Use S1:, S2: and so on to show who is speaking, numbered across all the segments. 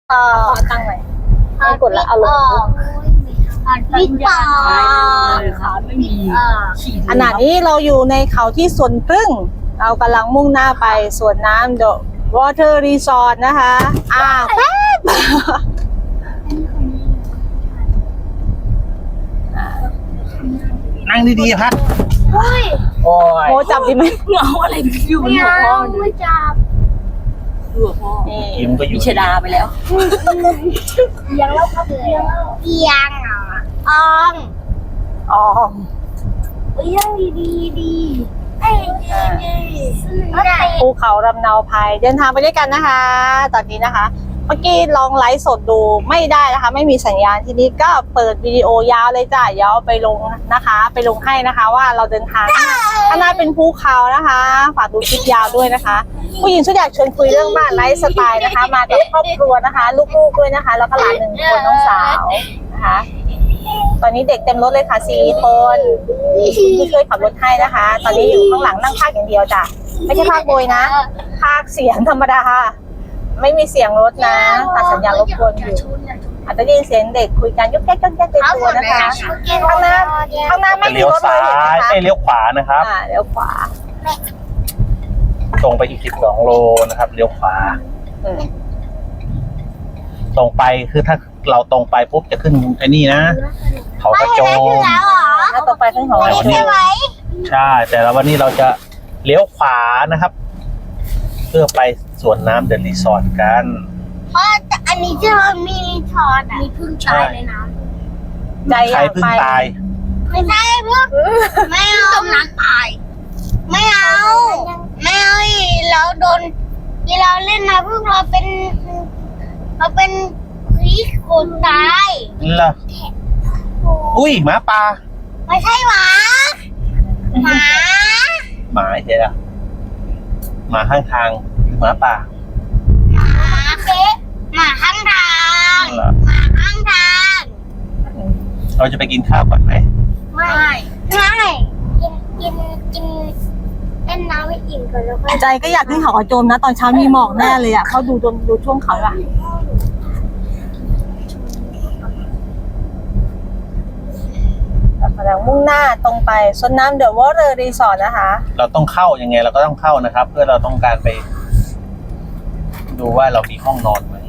S1: ขอตั้งหน่อยไม่กดละเอาลง
S2: วิปา
S3: ขาไม่มี
S1: ขณะนี้เราอยู่ในเขาที่สวนพึ่งเรากำลังมุ่งหน้าไปสวนน้ำ The Water Resort นะคะแป๊บ
S2: นั่งดีๆพัด
S3: เฮ้ย
S2: โอ้ย
S1: โมจับดีไหม
S3: เงาอะไรอยู่บนหัวพ่อไม่จับหัวพ่อ
S2: กิมก็อยู่
S3: มีชดาไปแล้ว
S2: ยังเล่าครับเพียงออง
S1: อ๋อ
S2: ยังดีไอ้
S1: ภูเขาลำเนาภัยเดินทางไปด้วยกันนะคะ ตอนนี้นะคะ เมื่อกี้ลองไลฟ์สดดูไม่ได้นะคะ ไม่มีสัญญาณทีนี้ก็เปิดวิดีโอยาวเลยจ้ะเดี๋ยวไปลงนะคะ ไปลงให้นะคะว่าเราเดินทางข้างหน้าเป็นภูเขานะคะฝากดูคลิปยาวด้วยนะคะ ผู้หญิงชุดอยากชวนคุยเรื่องบ้านไลฟ์สไตล์นะคะ มากับครอบครัวนะคะ ลูกๆด้วยนะคะ แล้วก็หลาน1 คนน้องสาวนะคะ ตอนนี้เด็กเต็มรถเลยค่ะ4 คนที่ช่วยขับรถให้นะคะ ตอนนี้อยู่ข้างหลังนั่งพากอย่างเดียวจ้ะไม่ใช่พากโบยนะพากเสียงธรรมดาไม่มีเสียงรถนะตัดสัญญาณรบกวนอยู่อาจจะได้ยินเสียงเด็กคุยกันยุกแยกในตัวนะคะข้างหน้าไม่มี
S2: เลี้ยว
S1: รถเล
S2: ซ้าย
S1: เห็นไหมคะ
S2: เลี้ยวขวานะครับ
S1: เลี้ยวขวา
S2: ตรงไปอีก12 โลนะครับเลี้ยวขวา
S1: อืม
S2: ตรงไปคือถ้าเราตรงไปปุ๊บจะขึ้นไอ้นี่นะเขากระโจม
S1: แล้วต่อไปขึ้นของเรา
S2: ใช่แต่ละวันนี้เราจะเลี้ยวขวานะครับ เพื่อไปสวนน้ำเดอะรีสอร์ทกัน
S4: เพราะอันนี้จะมีทอดมีพึ่งตายในน้
S1: ใจอ
S2: ใคร
S1: ยาก
S2: เพิ่ง
S1: ไป
S2: ตาย
S4: ำไม่ใช่พวกไม่เอาจมน้ำตายไม่เอาอีกเราโดนที่เราเล่นนะพวกเราเป็นผีคนตาย
S2: เหรออุ้ยหมาป่า
S4: ไม่ใช่หมาหมา
S2: หมาใช่ไหมหมาข้างทางหรือหมาป่า
S4: เป๊ะหมาข้างทาง
S2: เหรอ
S4: หมาข้างทาง
S2: เราจะไปกินข้าวก่อนไหม
S4: ไม่กินเล่นน้ำให้อิ่มก่อนแล้วก็
S1: ใจก็อยากขึ้นเขากระโจมนะ ตอนเช้ามีหมอกแน่เลยอ่ะเขาดูช่วงเขาอ่ะกำลังมุ่งหน้าตรงไปสวนน้ำ The Water Resort นะคะ
S2: เราต้องเข้ายังไงเราก็ต้องเข้านะครับ เพื่อเราต้องการไป ดูว่าเรามีห้องนอนไหม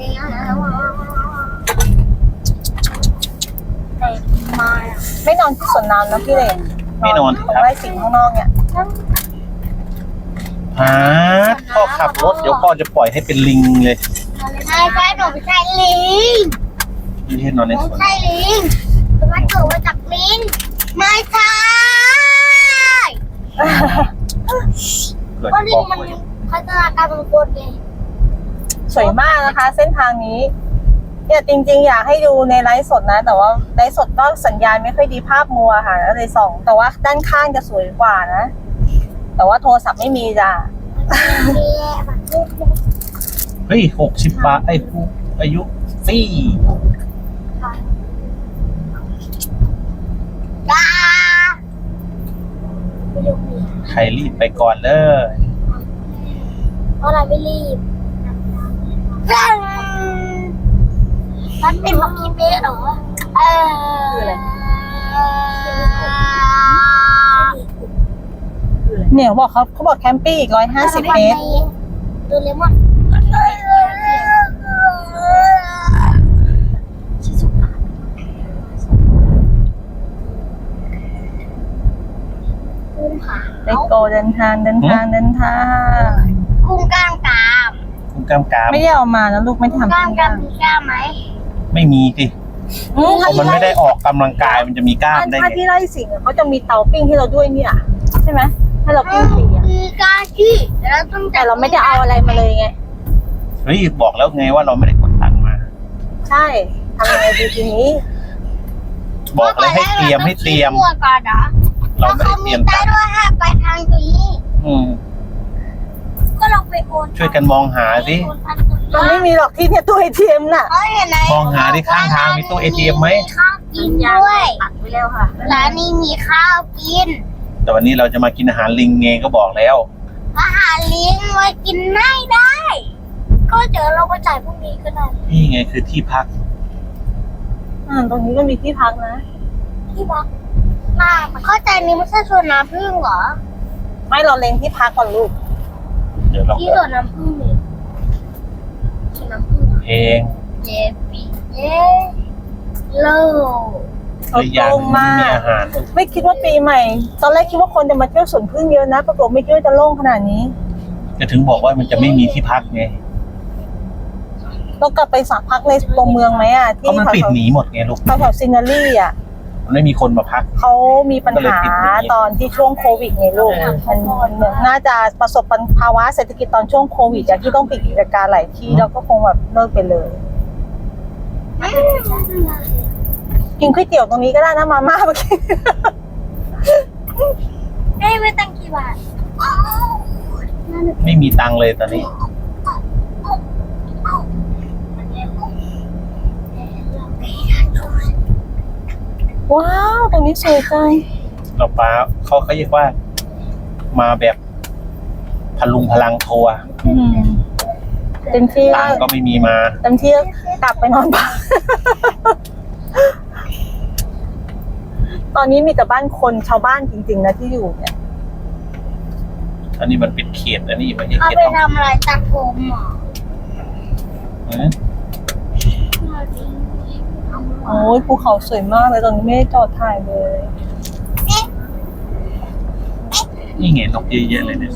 S1: ไม่นอนที่สวนน้ำนะพี่เลย
S2: ไม่นอน
S1: ต
S2: สิ
S1: รง
S2: ครับ
S1: ไร่สิงห์ข้างนอกเนี่ย
S2: พ่อขับรถเดี๋ยวพ่อจะปล่อยให้เป็นลิงเลย
S4: ใช่หนูไม่ใช่ลิง
S2: ไม่ให้นอนใน
S4: ไม่
S2: สวน
S4: ใช่ลิงมันเกิดมาจากลิงไม่ใช่
S2: เกิด
S4: เพราะลิ
S2: พ่อง
S4: มัน
S2: ป่วย
S4: พัฒนาการเป็นคนไง
S1: สวยมากนะคะ เส้นทางนี้เนี่ยจริงๆอยากให้ดูในไลฟ์สดนะ แต่ว่าไลฟ์สดก็สัญญาณไม่ค่อยดีภาพมัวค่ะก็เลยส่องแต่ว่าด้านข้างจะสวยกว่านะ แต่ว่าโทรศัพท์ไม่มีจ้ะ
S2: เฮ้ย60 บาทไอ้ผู้อายุฟรี
S4: จ้า
S2: ใครรีบไปก่อนเลย
S4: เพราะเราไม่รีบมันเป็นแบบนี้เป๊ะเหรอ
S1: คืออะไร เนี่ยเขาบอกแคมปิ้งอีก150 เมตร
S4: ดูเลมอนกุ้งค่ะ
S1: เลโกเดินทาง
S4: กุ้งกล้ามกราม
S2: คุณกำกาม
S1: ไม่ได้เอามานะลูกไม่ได้
S4: ก
S1: ทำ
S4: ล้ามกรามมีกล้ามไหม
S2: ไม่มีสิเพราะมันไม่ได้ออกกำลังกายมันจะมีกล้ามได้
S1: ถ้า
S2: ไง
S1: ที่ไร่สิงห์เขาจะมีเตาปิ้งให้เราด้วยเนี่ยใช่ไหมให้เราปิ้งฟรีอะ
S4: มีกล้ามที่แต่เราต้อง
S1: แต่เราไม่ได้เอาอะไรมาเลยไง
S2: เฮ้ยบอกแล้วไงว่าเราไม่ได้กดตังค์มา
S1: ใช่ทำยังไงดีทีนี้
S2: บอกเลยให้เตรียม
S4: ก่อนนะ
S2: เราไม่ได้เตรียม
S4: ได้
S2: ตังค์
S4: ด้วยห้าไปทางนี้
S2: อืม
S4: ก็ลองไปโอน
S2: ช่วยกันมองหาสิ
S1: มันไม่มีหรอกที่เนี่ยตู้ ATM น่ะ
S4: เขาเห็นไหม
S2: มองหาที่ข้างทางมีตู้ ATM ไหม
S4: ข้าวกินด้วย
S1: ตัดไปแล้วค่ะ
S4: ร้านนี้มีข้าวกิน
S2: แต่วันนี้เราจะมากินอาหารลิงไงก็บอกแล้ว
S4: อาหารเลี้ยงไว้กินไม่ได้ ก็ก็เดี๋ยวเราไปจ่ายพรุ่งนี้ก็ได้
S2: นี่ไงคือที่พัก
S1: ตรงนี้ก็มีที่พักนะ
S4: ที่พักหน้าเข้าใจนี้ไม่ใช่สวนน้ำผึ้งเหรอ
S1: ไม่เราเล็งที่พักก่อนลูก
S2: เดี๋ยวเรา
S4: ที่สวนน้ำผึ้งนี่สวนน้ำผึ้ง
S2: เพลง
S4: เย้ปีเย้โล
S1: เขา
S2: อีกอย่าง
S1: ตรง
S2: หนึ่ง
S1: มาก
S2: มีอาหาร
S1: ไม่คิดว่าปีใหม่ ตอนแรกคิดว่าคนจะมาเที่ยวสวนพึ่งเยอะนะ ปรากฏไม่คิดว่าจะโล่งขนาดนี้
S2: จะถึงบอกว่ามันจะไม่มีที่พักไง
S1: เรากลับไปสักพักในตัวเมืองไหมอ่ะ
S2: เพราะมันปิดหนีหมดไงลูก
S1: แถวๆซินารีอ่ะ
S2: มันไม่มีคนมาพัก
S1: เขามีปัญหาตอนที่ช่วงโควิดไงลูกมันน่าจะประสบภาวะเศรษฐกิจตอนช่วงโควิดอะที่ต้องปิดกิจการหลายที่แล้วก็คงแบบเลิกไปเลย กินก๋วยเตี๋ยวตรงนี้ก็ได้นะมาม่าเมื่อกี้
S4: ได้ไปตั้งกี่บาท
S2: ไม่มีตังค์เลยตอนนี้
S1: ว้าวตรงนี้สวยจัง
S2: เราป้าเขาเรียกว่า มาแบบพลุงพลังทัวร์
S1: เต็มที่
S2: ตังค์ก็ไม่มีมา
S1: เต็มที่กลับไปนอนบ้าน ตอนนี้มีแต่บ้านคนชาวบ้านจริงๆนะที่อยู่เนี่ย
S2: อันนี้มันเป็นเขตอันนี้ไม่ใช่
S4: เอา
S2: เขต
S4: ไป
S2: ต้อง
S4: ทำอะไรตัดผมเหรอ
S1: โอ้ยภูเขาสวยมากเลยตอนนี้ไม่ได้จอดถ่ายเลย
S2: นี่ไงนกเยอะแยะเลยเนี่ย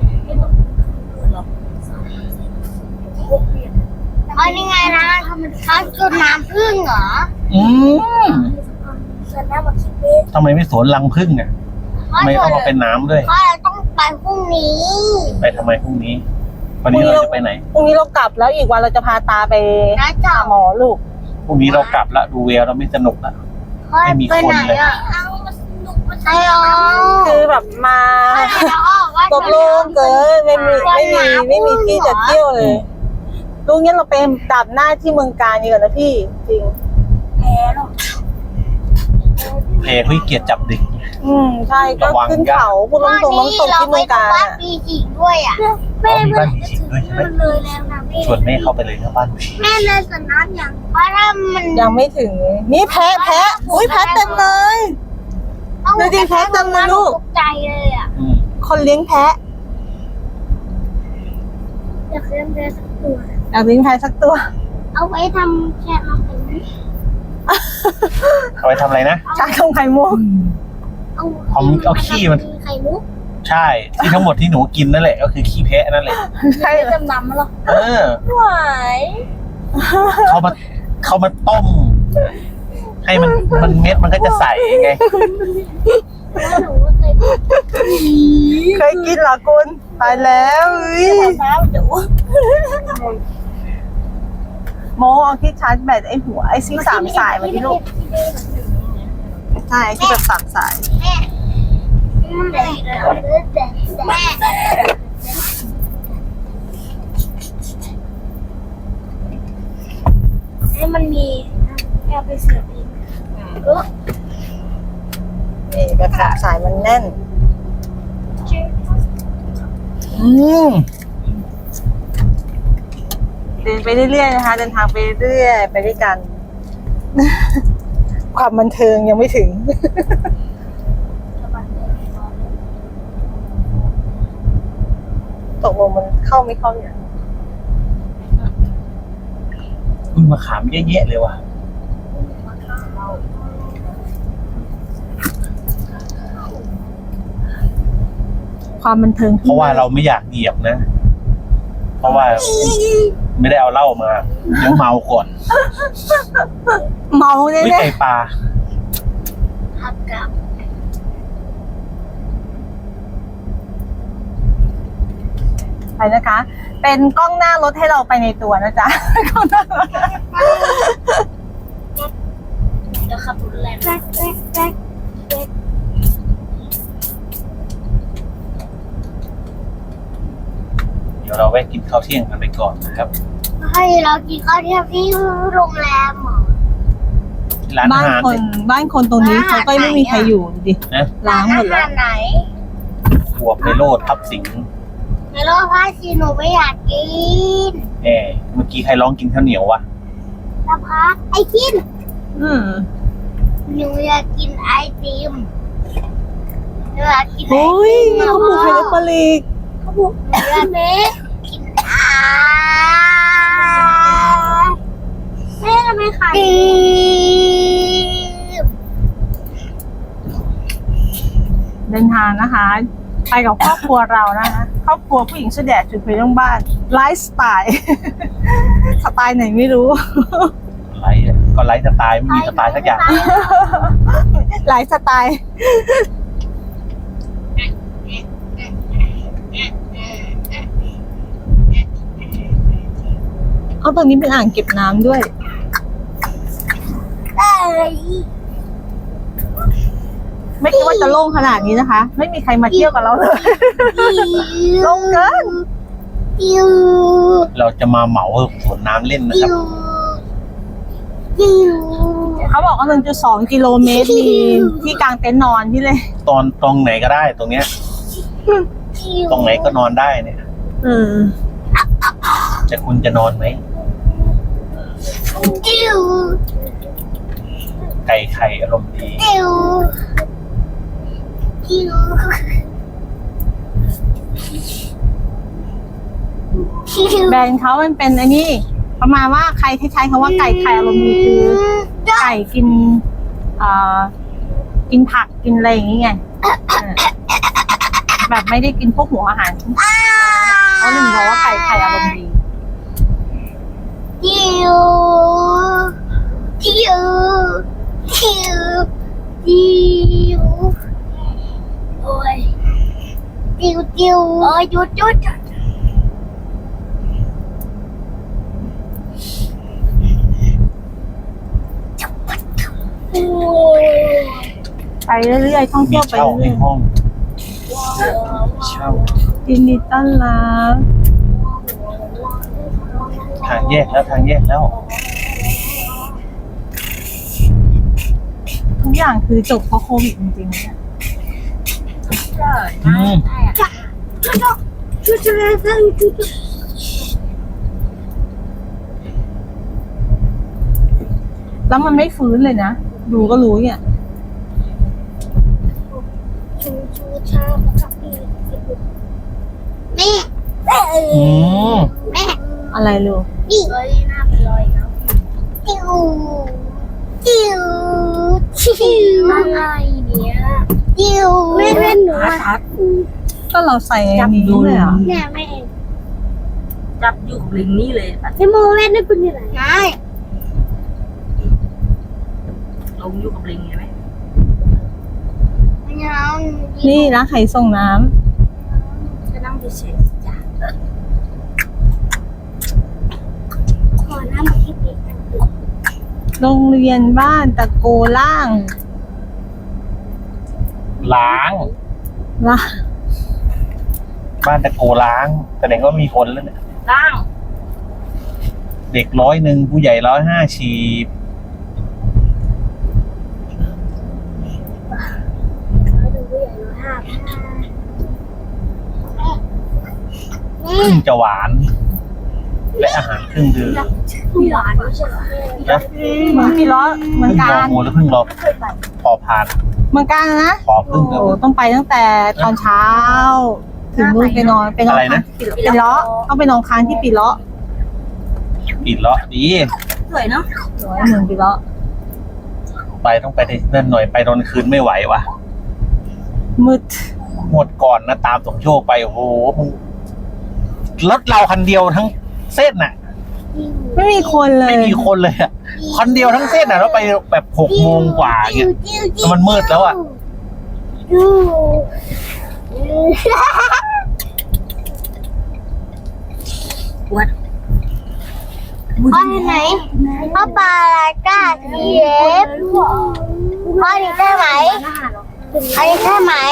S4: อ๋อนี่ไงนะเขาจุดน้ำผึ้งเหรอ
S2: อืม
S4: สวนน้ำแบบคิดเวท
S2: ทำไมไม่สวนรังผึ้งอ่ะทำไมต้องมาเป็นน้ำด้วย
S4: เพราะเราต้องไปพรุ่งนี้
S2: ไปทำไมพรุ่งนี้ วันนี้เราจะไปไหน
S1: พรุ่งนี้เรากลับแล้วอีกวันเราจะพาตาไป
S4: นะจ๊ะ
S1: หาหมอลูก
S2: พรุ่งนี้เรากลับละดูเวลเราไม่สนุกละ ไม่มีคนเลย
S4: เอามาสนุกมาใช่หรอ
S1: คือแบบมาตกลงเกินไม่มีที่จะเที่ยวเลยลูกงั้นเราไปดับหน้าที่เมืองการดีกว่านะพี่จริง
S4: แพ้หรอก
S2: เพลคุยเกียรติจับดึก
S1: ใช่ก็ขึ้นเขาพูดตรงๆน้องตกที่เมืองการ
S4: บ้าน
S1: อะ
S4: ปีจิงด้วยอ่ะ
S2: อ๋อมีบ้านผีสิงด้วยใช่ไหม
S4: เลยแล้วนะแม่
S2: ชวนแม่เข้าไปเลยนะบ้านผี
S4: แม่เลยสวนน้ำอย่างเพราะถ้ามัน
S1: ยังไม่ถึงนี่แพะอุ้ยแพะเต็มเลย ดูดิแพ้เต็มเลยลูก
S4: ตกใจเลยอ่ะ
S2: อืม
S1: คนเลี้ยงแพะ
S4: อยากเลี้ยงแพ้สักตัว
S1: อยากเลี้ยงแพะสักตัว
S4: เอาไว้ทำแค่น้ำแข็ง
S2: เอาไปทำอะไรนะ
S1: ชาชงไข่มุก
S2: เอาขี้มัน
S4: ไข่มุก
S2: ใช่ที่ทั้งหมดที่หนูกินนั่นแหละก็คือขี้แพะนั่นแหละ
S1: ใช่
S4: ไม่จำนำหรอ
S2: เออ
S4: ไหว
S2: เขามาต้ม ให้มันเม็ดมันก็จะใสไง
S4: แล้วหนูก็เคย
S1: เคยกินเหรอคุณตายแล้วอุ้ย
S4: น้ำดู
S1: โมเอาที่ชาร์จแบตไอ้หัวไอ้ซี่สามสายมาที่ลูกใช่ที่แบบสามสาย
S4: แม่ให้มันมีแอบไปเสียบเอง
S1: นี่แบบสามสายมันแน่น เดินไปเรื่อยๆนะคะเดินทางไปเรื่อยไปด้วยกัน ความบันเทิงยังไม่ถึง ตกลงมันเข้าไม่เข้าเนี่ย
S2: คุณมะขามเยอะแยะเลยว่ะ
S1: ความบันเทิง
S2: เพราะว่าเราไม่อยากเหยียบนะ เพราะว่าไม่ได้เอาเหล้ามาเดี๋ยวเมาก่อน
S1: เมาแน่
S2: วิไก่ปลา
S4: หักกับ
S1: ๆไปนะคะ เป็นกล้องหน้ารถให้เราไปในตัวนะจ๊ะ กล้องหน้ารถ
S4: เดี๋ยวขับรถแรงแรก
S2: เดี๋ยวเราแวะกินข้าวเที่ยงกันไปก่อนนะครับ
S4: ให้เรากินข้าวเที่ยงที่โรงแรมเหรอ
S2: ที่ร้านอา
S1: บ้าน
S2: หาร
S1: คนบ้านคนตรงนี้เขาก็ไม่มีใครอยู่ดูดิ
S2: นะ
S1: ล้างหมดแล้ว
S4: ร้นอาหารไหน
S2: ครัวไพโรดทับสิงห์
S4: ในโลกพาชีหนูไม่อยากกิน
S2: เมื่อกี้ใครร้องกินข้าวเหนียววะ
S4: สะพัดไอติม
S1: อืม
S4: หนูอยากกินไอติมหนูอยากกินไอ
S1: โอ้ย
S4: ติม
S1: ข้าวหมูไข่เล็กปลาลีก
S4: หนูอยากกินแม่ทำไมขายติม
S1: เดินทางนะคะ ไปกับครอบครัวเรานะคะครอบครัวผู้หญิงเสื้อแดดจุดไฟเรื่องบ้านไลฟ์สไตล์ สไตล์ไหนไม่รู้
S2: ไลฟ์ก็ไลฟ์สไตล์ไม่มีสไตล์สักอย่าง
S1: ไลฟ์สไตล์ เอาตรงนี้เป็นอ่างเก็บน้ำด้วย
S4: เอ้ย
S1: ไม่คิดว่าจะโล่งขนาดนี้นะคะ ไม่มีใครมาเที่ยวกับเราเลย ลงเกิน
S4: ติว
S2: เราจะมาเหมาสวนน้ำเล่นนะค
S4: ติ
S2: รับ
S4: วติว
S1: เขาบอกว่า 1.2 กิโลเมตรมีที่กางเต็นท์นอนที่เลย
S2: ตรงไหนก็ได้ตรงเนี้ย ตรงไหนก็นอนได้เนี่ย
S1: อืม
S2: แต่คุณจะนอนไหม
S4: ติว
S2: ไก่ไข่อารมณ์ดี
S4: ติวติวติว
S1: แบรนด์เขามันเป็นอันนี้ ประมาณว่าใครที่ใช้คำว่าไก่ไข่อารมณ์ดีคือไก่กินกินผักกินอะไรอย่างงี้ไงแบบไม่ได้กินพวกหัวอาหารเขาเลยบอกว่าไก่ไข่อารมณ์ดี
S4: ติวติวติวติวโอ้ยติวติวโอ้ยหยุดหยุดโอ้ย
S1: ไปเรื่อยๆท่อง
S2: มี
S1: เที่ยวไป
S2: เช่าให้
S1: เรื่อย
S2: ห้องเช่า
S1: ๆยินดีต้อนรับ
S2: ทางแยกแล้ว
S1: ทุกอย่างคือจบเพราะโควิดจริงๆเนี่ย
S2: อืม
S1: แล้วมันไม่ฟื้นเลยนะ ดูก็รู้เนี่ย
S4: แม่
S2: อืม
S4: แม่
S1: อะไรลูก
S4: นี่หน้าเป็นรอยแล้วติวติวติวอะไรเนี่ยติวไม่เป็นหนูอะ
S1: ก็เราใส่อันนี้เลยอ่ะ
S4: แม่แม่
S3: จับอยู่กับลิงนี่เลย
S4: พี่โมแม่ได้เป็นยังไงใช่
S3: ลงอยู่กับลิงใช่ไหม
S4: ไม่เอา
S1: นี่ร้านไข่ส่งน้
S3: ก็นั่งเฉยๆจ้ะ
S4: ขอน้ำมาที่ปีกกัน
S1: ำโรงเรียนบ้านตะโกล่าง
S2: ล้าง
S1: ล่าง
S2: บ้านตะโกล้างแสดงว่ามีคนแล้วเนี่ย
S3: ล่าง
S2: เด็ก100ผู้ใหญ่150
S4: เขาดูผู้ใหญ่เรา
S2: ครึ่งจะหวาน และอาหารครึ่งดื่ม
S4: หวานไม่ใช่เหรอ
S2: นะ
S1: เหมือนปีล้อเหมือน
S2: ครึ่ง
S1: กั
S2: รอน งูหรือครึ่งรอพอผ่าน
S1: เหมือนกันนะ
S2: พอพึ่ง
S1: โอ้ต้องไปตั้งแต่ตอนเช้า ถึงนู่นไปนอนค้างปีล้อต้องไปนอนค้างที่ปีล้อ
S2: ปิดเลาะดี
S3: สวยเนาะ
S1: เหมือนปีล้อ
S2: ต้องไปนั่นหน่อยไปตอนคืนไม่ไหวว่ะ
S1: มืด
S2: หมดก่อนนะตามสมโชคไปโอ้โหมึงรถเราคันเดียวทั้งเส้นน่ะ
S1: ไม่มีคนเล
S2: ไม่
S1: ย
S2: มีคนเลยอ่ะคันเดียวทั้งเส้นน่ะแล้วไปแบบ6 โมงกว่าเงี้ยแล้วมันมืดแล้วอ่ะ
S3: วัด
S4: พ่อไหนพ่อปลาลาก้าทีเอฟพ่อนี่ใช่ไหมอันนี้ใช่ไหม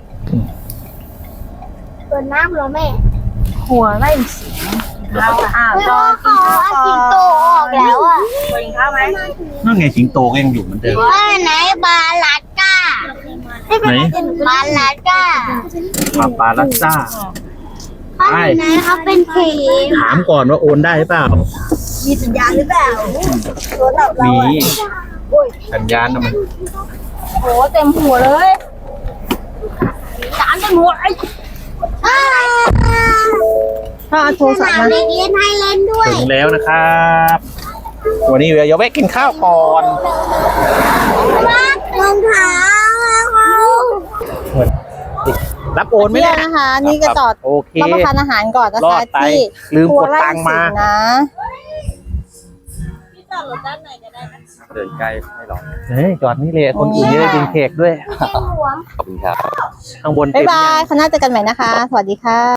S4: ตัวน้ำเหรอแม่
S1: หัวไล่เสียงเราตอนกินข้าว
S4: สิงโตออกแล้วอ่ะ
S3: ตัวกินข้าวไหม
S2: นั่นไงสิงโตก็ยังอยู่เหมือนเดิม
S4: พ่อไหนปลาลาก้า
S2: ไหน
S4: ปลาลาก้า
S2: ปลาลัสซ่า
S4: เขาอยู่ไหนเขาเป็นเขม
S2: ถามก่อนว่าโอนได้หรือเปล่า
S1: มีสัญญาณหรือเปล่าโทรศัพท์เรา
S2: มี
S1: อะ
S2: สัญญาณนะมัน
S1: โหเต็มหัวเลยจานเต็มหัวไอ้ถ้าเอาโทรศัพท์
S4: สนาม
S1: มา
S4: เด็กเล่นให้เล่นด้วย
S2: ถึงแล้วนะครับ วันนี้เดี๋ยวแวะกินข้าวก่อน
S4: รองเท้า
S2: รับโอนไหม
S1: เที่ย
S2: เนี่
S1: วย นะคะ นี่ก็จอด
S2: โอเค
S1: รับประทานอาหารก่อนนะ
S2: รอ
S1: คะ
S2: ดไป
S1: ที่
S2: ลืม
S1: ครัว
S2: กด
S1: ไร่
S2: ตังค์มา
S1: สิงห์นะ
S3: เดินใกล้ไม่หรอก
S2: เฮ้ยจอดนี่เลยคนอื่นจะได้กินเค้กด้วย
S3: ขอบคุณครับ
S2: ข้างบน
S1: บ๊า
S2: เต็
S1: ย
S2: ม
S1: บา
S2: ยั
S1: ย
S2: ง
S1: คณะเจอกันใหม่นะคะ สวัสดีค่ะ